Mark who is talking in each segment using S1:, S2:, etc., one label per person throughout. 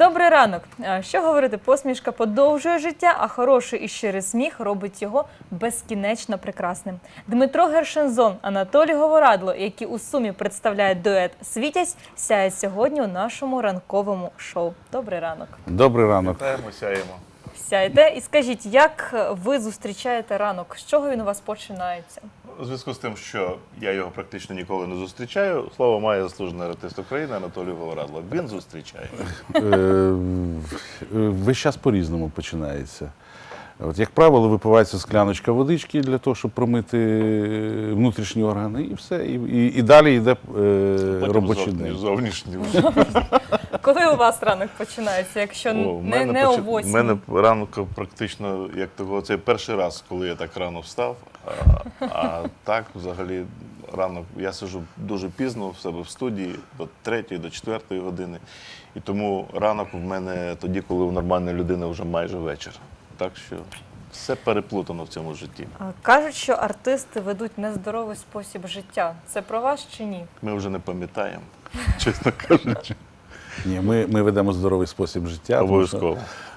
S1: Добрий ранок. Що говорити, посмішка подовжує життя, а хороший і щирий сміх робить його безкінечно прекрасним. Дмитро Гершензон, Анатолій Говорадло, які у сумі представляють дует «Світязь», сяє сьогодні у нашому ранковому шоу. Добрий ранок.
S2: Добрий ранок.
S3: Вітаємо, сяємо.
S1: Сяєте і скажіть, як ви зустрічаєте ранок? З чого він у вас починається?
S3: У зв'язку з тим, що я його практично ніколи не зустрічаю, слово має заслужений артист України Анатолій Говорадло. Він зустрічає.
S2: Весь час по-різному починається. От, як правило, випивається скляночка водички для того, щоб промити внутрішні органи, і все. І далі йде робочий день.
S3: Зовнішній.
S1: Коли у вас ранок починається, якщо не о 8?
S3: У мене ранок практично, як того, це перший раз, коли я так рано встав. А так, взагалі, ранок я сиджу дуже пізно в себе в студії, до 3-ї, до 4-ї години. І тому ранок в мене тоді, коли у нормальної людини вже майже вечір. Так що все переплутано в цьому житті.
S1: Кажуть, що артисти ведуть нездоровий спосіб життя. Це про вас чи ні?
S3: Ми вже не пам'ятаємо, чесно кажучи.
S2: Ні, ми ведемо здоровий спосіб життя.
S3: Обов'язково.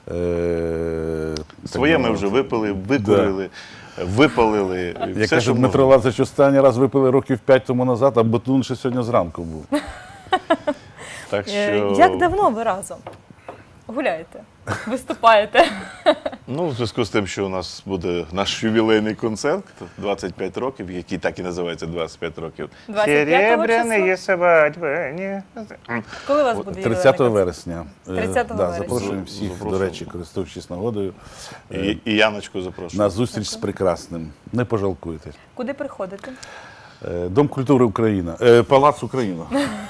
S3: Своє ми вже випили, викурили, випалили.
S2: Як каже Дмитро Лазаревич, останній раз випили років 5 тому назад, а батун ще сьогодні зранку був.
S3: Так що...
S1: Як давно ви разом гуляєте, виступаєте?
S3: Ну, в зв'язку з тим, що у нас буде наш ювілейний концерт, 25 років, який так і називається 25 років.
S1: 25 числа?
S3: свадьби.
S1: Коли у вас буде
S2: 30 вересня.
S1: 30 вересня.
S2: Запрошуємо всіх, до речі, користуючись нагодою,
S3: І Яночку запрошую.
S2: на зустріч з прекрасним. Не пожалкуйте.
S1: Куди приходите?
S2: Дом культури Україна. Палац Україна.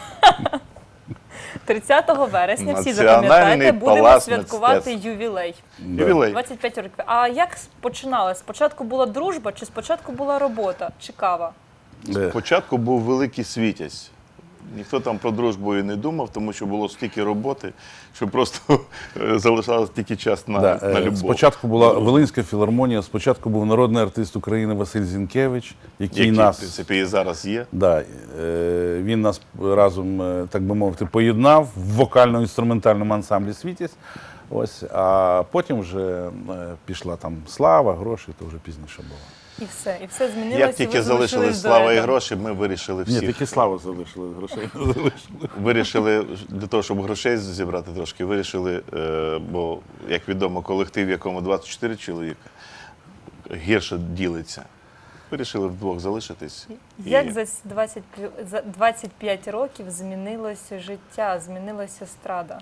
S1: 30 вересня, всі
S3: Національний
S1: запам'ятайте, будемо
S3: палац
S1: святкувати
S3: мистецтв.
S1: ювілей.
S3: Ювілей.
S1: 25 років. А як починалось? Спочатку була дружба, чи спочатку була робота, чи кава?
S3: Спочатку був великий Світязь. Ніхто там про дружбу і не думав, тому що було стільки роботи, що просто залишалось тільки час на любов.
S2: Спочатку була Волинська філармонія, спочатку був народний артист України Василь Зінкевич, який нас,
S3: в принципі, і зараз є.
S2: да, він нас разом, так би мовити, поєднав в вокально-інструментальному ансамблі «Світязь». Ось, а потім вже пішла там слава, гроші, то вже пізніше було.
S1: І все змінилося.
S3: Як тільки залишились слава і гроші, ми вирішили
S2: Ні,
S3: всіх.
S2: тільки славу залишили, грошей не залишили.
S3: Вирішили, для того, щоб грошей зібрати трошки, вирішили, бо, як відомо, колектив, в якому 24 чоловіка, гірше ділиться. Вирішили вдвох залишитись.
S1: Як за 25 років змінилося життя, змінилася естрада?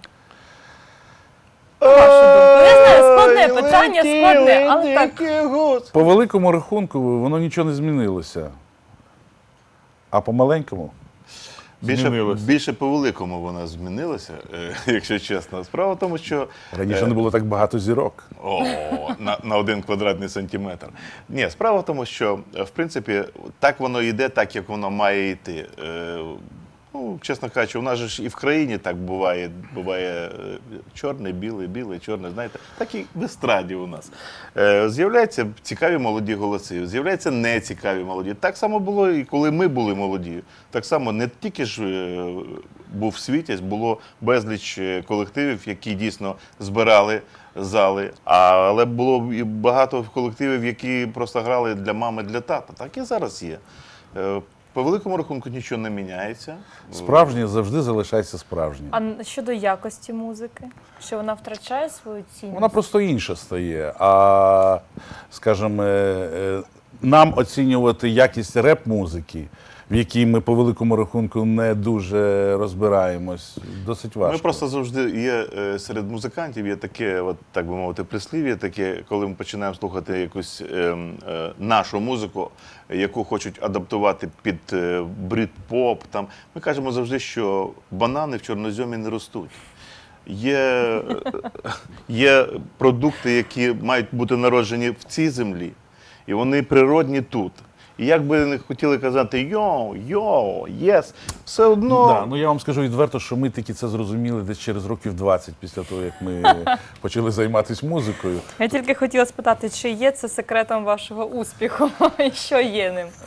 S1: Вашу думку. Я знаю, складне питання, складне, але так.
S2: По великому рахунку воно нічого не змінилося. А по маленькому змінилося.
S3: Більше по великому вона змінилася, якщо чесно. Справа в тому, що...
S2: Раніше не було так багато зірок.
S3: На 1 квадратний сантиметр. Ні, справа в тому, що, в принципі, так воно йде, так, як воно має йти. Ну, чесно кажучи, у нас же ж і в країні так буває. Буває чорне, біле, біле, чорне, знаєте. Так і в естраді у нас. З'являються цікаві молоді голоси, з'являються нецікаві молоді. Так само було і коли ми були молоді. Так само не тільки ж був Світязь, було безліч колективів, які дійсно збирали зали, але було і багато колективів, які просто грали для мами, для тата. Так і зараз є. По великому рахунку нічого не міняється.
S2: Справжнє завжди залишається справжнім.
S1: А щодо якості музики? Що вона втрачає свою цінність?
S2: Вона просто інша стає. А, скажімо, нам оцінювати якість реп-музики, в якій ми по великому рахунку не дуже розбираємось, досить важко.
S3: Ми просто завжди є серед музикантів, є таке, от, так би мовити, прислів'я, таке, коли ми починаємо слухати якусь нашу музику, яку хочуть адаптувати під брит-поп, там, ми кажемо завжди, що банани в чорноземі не ростуть. Є продукти, які мають бути народжені в цій землі, і вони природні тут. І як би не хотіли казати йоу, єс, все одно...
S2: Да, ну я вам скажу відверто, що ми тільки це зрозуміли десь через років 20 після того, як ми почали займатися музикою.
S1: Я тільки хотіла спитати, чи є це секретом вашого успіху, і що є ним?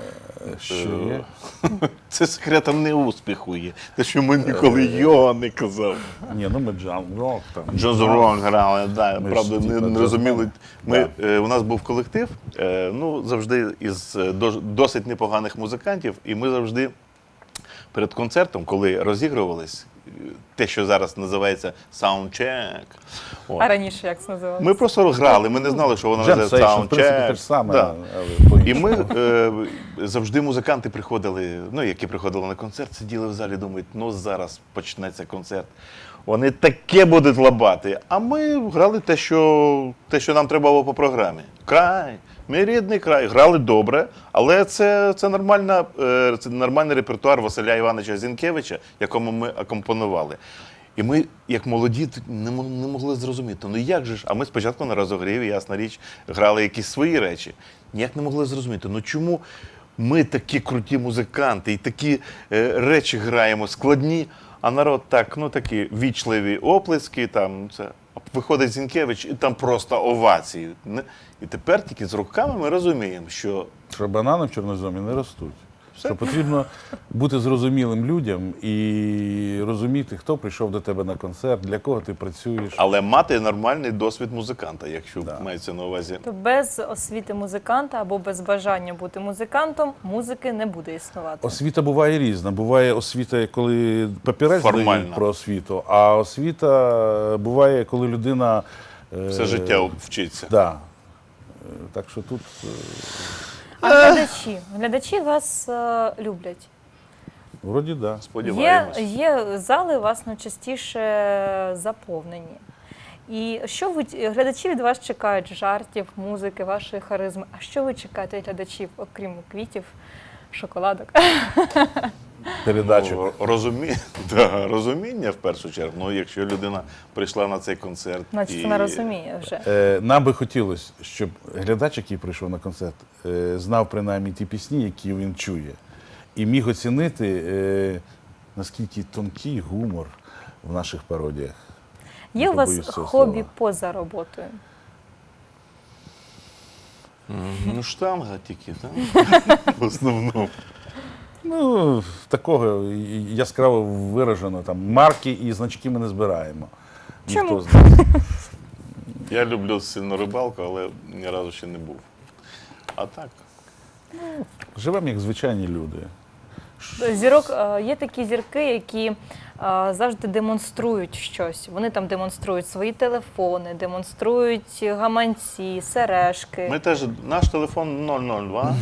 S2: Що є?
S3: Це секретом не успіху є. Те, що ми ніколи його не казав.
S2: Ні, ну ми Джон Рок там.
S3: Джонс Рок грали, да,
S2: Ми
S3: правда,
S2: ж,
S3: не
S2: типа,
S3: розуміли.
S2: джаз-бенд.
S3: У нас був колектив, ну, завжди із досить непоганих музикантів, і ми завжди перед концертом, коли розігрувались, те, що зараз називається саундчек,
S1: А раніше як це називалося?
S3: ми просто грали, ми не знали, що воно
S2: Джем
S3: називається
S2: сейшн, в принципі, те
S3: саундчек.
S2: ж саме,
S3: Да.
S2: але по-іншому.
S3: І ми завжди музиканти приходили, ну, які приходили на концерт, сиділи в залі, думають, ну зараз почнеться концерт. Вони таке будуть лабати. А ми грали те, що нам треба було по програмі. Край, мій рідний край. Грали добре, але це нормальний репертуар Василя Івановича Зінкевича, якому ми акомпонували. І ми, як молоді, не могли зрозуміти, ну як же ж? А ми спочатку на розогріві, ясна річ, грали якісь свої речі. Ніяк не могли зрозуміти, ну чому ми такі круті музиканти і такі речі граємо складні, а народ так, ну такі вічливі оплески, там це. Виходить Зінкевич, і там просто овації. І тепер тільки з роками ми розуміємо, що
S2: Що банани в чорноземі не ростуть. Що потрібно бути зрозумілим людям і розуміти, хто прийшов до тебе на концерт, для кого ти працюєш.
S3: але мати нормальний досвід музиканта, якщо мається на увазі.
S1: То без освіти музиканта або без бажання бути музикантом музики не буде існувати.
S2: Освіта буває різна. Буває освіта, коли папірець
S3: Формальна.
S2: дають про освіту, а освіта буває, коли людина...
S3: Все життя вчиться.
S2: Да. Так що тут...
S1: А глядачі вас люблять.
S2: Вроді, да.
S3: Сподіваємось.
S1: Є зали у вас найчастіше заповнені. І що глядачі від вас чекають? Жартів, музики, вашої харизми. А що ви чекаєте від глядачів, окрім квітів, шоколадок?
S2: Передачу.
S3: Розуміння в першу чергу. Ну, якщо людина прийшла на цей концерт.
S1: Значить, вона розуміє вже.
S2: Нам би хотілося, щоб глядач, який прийшов на концерт, знав принаймні ті пісні, які він чує, і міг оцінити, наскільки тонкий гумор в наших пародіях.
S1: Є у вас
S2: Побоюсь цього
S1: хобі
S2: слова.
S1: поза роботою?
S3: Ну, штанга тільки, так? В основному.
S2: Ну, такого яскраво виражено. Там, марки і значки ми не збираємо.
S1: Чому?
S2: Ніхто з нас.
S3: Я люблю сильно рибалку, але ні разу ще не був. А так.
S2: Живемо як звичайні люди.
S1: Є такі зірки, які завжди демонструють щось. Вони там демонструють свої телефони, демонструють гаманці, сережки.
S3: Ми теж, наш телефон 002.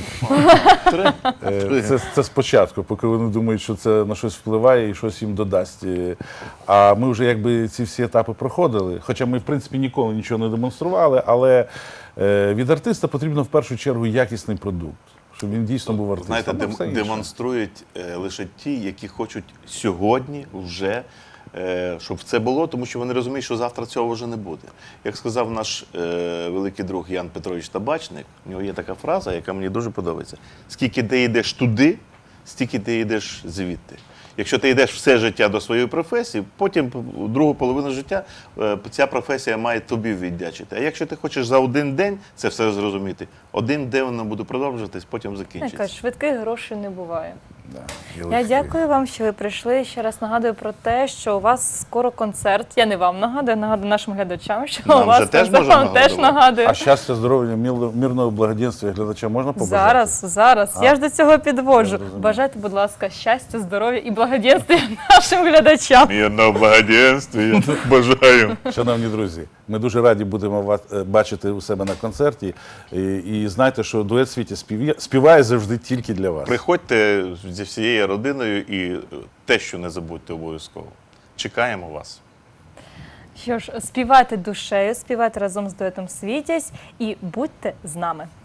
S2: Це спочатку, поки вони думають, що це на щось впливає і щось їм додасть. А ми вже якби ці всі етапи проходили. Хоча ми, в принципі, ніколи нічого не демонстрували, але від артиста потрібно в першу чергу якісний продукт, щоб він дійсно був артистом.
S3: Знаєте,
S2: А все інше.
S3: демонструють лише ті, які хочуть сьогодні вже, щоб це було, тому що вони розуміють, що завтра цього вже не буде. Як сказав наш великий друг Ян Петрович Табачник, у нього є така фраза, яка мені дуже подобається. Скільки ти йдеш туди, стільки ти йдеш звідти. Якщо ти йдеш все життя до своєї професії, потім другу половину життя ця професія має тобі віддячити. А якщо ти хочеш за один день це все зрозуміти, один день воно буде продовжуватись, потім закінчиться.
S1: Швидких грошей не буває.
S2: Да,
S1: Я дякую вам, що ви прийшли. Ще раз нагадую про те, що у вас скоро концерт. Я не вам нагадую, нагадую нашим глядачам, що
S3: Нам
S1: у вас
S3: же теж
S1: концерт.
S3: можна
S1: Вам теж
S3: нагадувати.
S1: нагадую.
S2: А щастя, здоров'я, мирного благоденствия глядача можна побажати?
S1: Зараз. Я ж до цього підводжу.
S2: Я розумію.
S1: Бажайте, будь ласка, щастя, здоров'я і благоденствия нашим глядачам.
S3: Мирного благоденствия бажаю.
S2: Шановні друзі, ми дуже раді будемо вас бачити у себе на концерті. І знайте, що дует «Світі» співає завжди тільки для вас.
S3: Приходьте зі всією родиною і те, що не забудьте обов'язково. Чекаємо вас.
S1: Що ж, співайте душею, співайте разом з дуетом «Світязь» і будьте з нами.